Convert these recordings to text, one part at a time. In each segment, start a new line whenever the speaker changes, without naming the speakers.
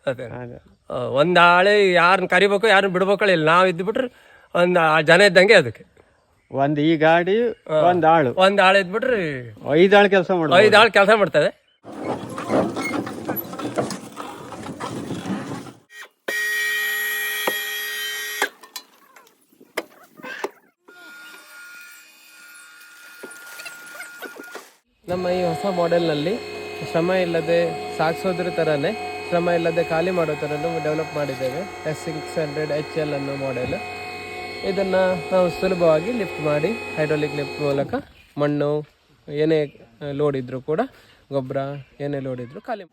ಅದೇ ಒಂದು ಆಳೆ ಯಾರನ್ನ ಕರಿಬೇಕು ಯಾರನ್ನ ಬಿಡ್ಬೇಕು ಇಲ್ಲ, ನಾವು ಇದ್ಬಿಟ್ರೆ ಒಂದು ಜನ ಇದ್ದಂಗೆ ಅದಕ್ಕೆ.
ಒಂದು ಈ ಗಾಡಿ ಒಂದು
ಆಳು ಇದ್ಬಿಟ್ರೆ
5 ಆಳು ಕೆಲಸ ಮಾಡ್ಬೋದು.
5 ಆಳು ಕೆಲಸ ಮಾಡ್ತದೆ. ನಮ್ಮ ಈ ಹೊಸ ಮಾಡೆಲ್ನಲ್ಲಿ ಶ್ರಮ ಇಲ್ಲದೆ ಸಾಗಿಸೋದ್ರ ಥರನೇ ಶ್ರಮ ಇಲ್ಲದೆ ಖಾಲಿ ಮಾಡೋ ಥರನೂ ಡೆವಲಪ್ ಮಾಡಿದ್ದೇವೆ. S600 HL ಅನ್ನೋ ಮಾಡೆಲ್. ಇದನ್ನು ನಾವು ಸುಲಭವಾಗಿ ಲಿಫ್ಟ್ ಮಾಡಿ ಹೈಡ್ರಾಲಿಕ್ ಲಿಫ್ಟ್ ಮೂಲಕ ಮಣ್ಣು ಏನೇ ಲೋಡ್ ಇದ್ದರೂ ಕೂಡ, ಗೊಬ್ಬರ ಏನೇ ಲೋಡ್ ಇದ್ದರೂ ಖಾಲಿ.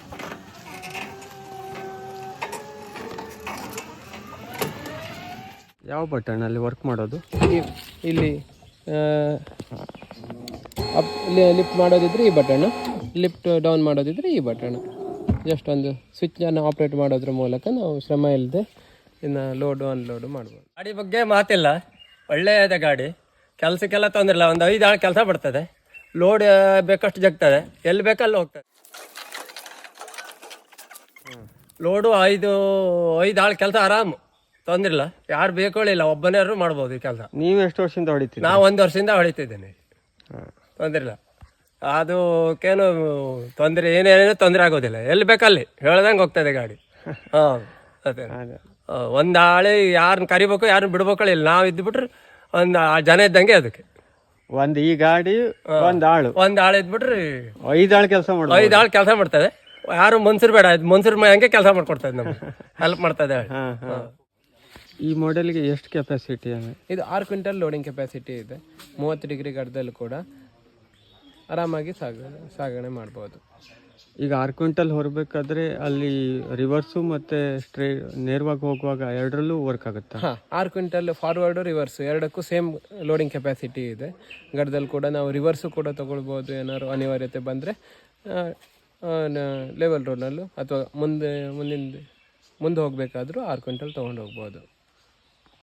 ಯಾವ ಬಟನಲ್ಲಿ ವರ್ಕ್ ಮಾಡೋದು?
ಇಲ್ಲಿ ಲಿಫ್ಟ್ ಮಾಡೋದಿದ್ರೆ ಈ ಬಟನ್, ಲಿಫ್ಟ್ ಡೌನ್ ಮಾಡೋದಿದ್ರೆ ಈ ಬಟನ್. ಜಸ್ಟ್ ಒಂದು ಸ್ವಿಚ್ಚನ್ನು ಆಪ್ರೇಟ್ ಮಾಡೋದ್ರ ಮೂಲಕ ನಾವು ಶ್ರಮ ಇಲ್ಲದೆ ಇನ್ನು ಲೋಡು ಅನ್ಲೋಡು ಮಾಡ್ಬೋದು. ಗಾಡಿ ಬಗ್ಗೆ ಮಾತಿಲ್ಲ, ಒಳ್ಳೆಯದ ಗಾಡಿ. ಕೆಲಸಕ್ಕೆಲ್ಲ ತೊಂದರೆ ಇಲ್ಲ. ಒಂದು 5 ಆಳು ಕೆಲಸ ಬರ್ತದೆ, ಲೋಡ್ ಬೇಕಷ್ಟು ಜಗ್ತದೆ, ಎಲ್ಲಿ ಬೇಕಲ್ಲಿ ಹೋಗ್ತದೆ. ಲೋಡು 5 ಆಳು ಕೆಲಸ ಆರಾಮು, ತೊಂದರೆ ಇಲ್ಲ. ಯಾರು ಬೇಕೊಳ್ಳಿಲ್ಲ, ಒಬ್ಬನಾರು ಮಾಡ್ಬೋದು ಈ ಕೆಲಸ.
ನೀವು ಎಷ್ಟು ವರ್ಷದಿಂದ ಹೊಡಿತೀರಿ?
ನಾವು 1 ವರ್ಷದಿಂದ ಹೊಡಿತಿದ್ದೇನೆ, ತೊಂದರೆ ಇಲ್ಲ. ಅದಕ್ಕೇನು ತೊಂದರೆ, ಏನೇನೋ ತೊಂದರೆ ಆಗೋದಿಲ್ಲ. ಎಲ್ಲಿ ಬೇಕಲ್ಲಿ ಹೇಳ್ದಂಗೆ ಹೋಗ್ತದೆ ಗಾಡಿ. ಹಾಂ ಅದೇ ಒಂದು ಆಳೆ ಯಾರನ್ನ ಕರಿಬೇಕು ಯಾರನ್ನ ಬಿಡ್ಬೇಕು ಇಲ್ಲ, ನಾವು ಇದ್ಬಿಟ್ರೆ ಒಂದು ಜನ ಇದ್ದಂಗೆ ಅದಕ್ಕೆ.
ಒಂದು ಈ ಗಾಡಿ ಒಂದು
ಆಳು ಇದ್ಬಿಟ್ರೆ
5 ಆಳು ಕೆಲಸ ಮಾಡ್ಬೋದು.
5 ಆಳು ಕೆಲಸ ಮಾಡ್ತದೆ. ಯಾರು ಮನ್ಸೂರು ಬೇಡ, ಮನ್ಸೂರು ಹಂಗೆ ಕೆಲಸ ಮಾಡ್ಕೊಡ್ತದೆ, ನಮ್ಗೆ ಹೆಲ್ಪ್ ಮಾಡ್ತದೆ.
ಈ ಮಾಡೆಲ್ಗೆ ಎಷ್ಟು ಕೆಪಾಸಿಟಿ?
ಇದು 6 ಕ್ವಿಂಟಲ್ ಲೋಡಿಂಗ್ ಕೆಪಾಸಿಟಿ ಇದೆ. 30 ಡಿಗ್ರಿ ಗಡ್ಡದಲ್ಲಿ ಕೂಡ ಆರಾಮಾಗಿ ಸಾಗಣೆ ಮಾಡ್ಬೋದು.
ಈಗ 6 ಕ್ವಿಂಟಲ್ ಹೊರಬೇಕಾದ್ರೆ ಅಲ್ಲಿ ರಿವರ್ಸು ಮತ್ತು ನೇರವಾಗಿ ಹೋಗುವಾಗ ಎರಡರಲ್ಲೂ ವರ್ಕ್ ಆಗುತ್ತೆ?
ಹಾಂ, 6 ಕ್ವಿಂಟಲ್ ಫಾರ್ವರ್ಡು ರಿವರ್ಸು ಎರಡಕ್ಕೂ ಸೇಮ್ ಲೋಡಿಂಗ್ ಕೆಪಾಸಿಟಿ ಇದೆ. ಗಡ್ಡದಲ್ಲಿ ಕೂಡ ನಾವು ರಿವರ್ಸು ಕೂಡ ತೊಗೊಳ್ಬೋದು, ಏನಾದ್ರು ಅನಿವಾರ್ಯತೆ ಬಂದರೆ. ಲೆವೆಲ್ ರೋಡ್ನಲ್ಲೂ ಅಥವಾ ಮುಂದೆ ಹೋಗಬೇಕಾದ್ರೂ 6 ಕ್ವಿಂಟಲ್ ತೊಗೊಂಡು ಹೋಗ್ಬೋದು.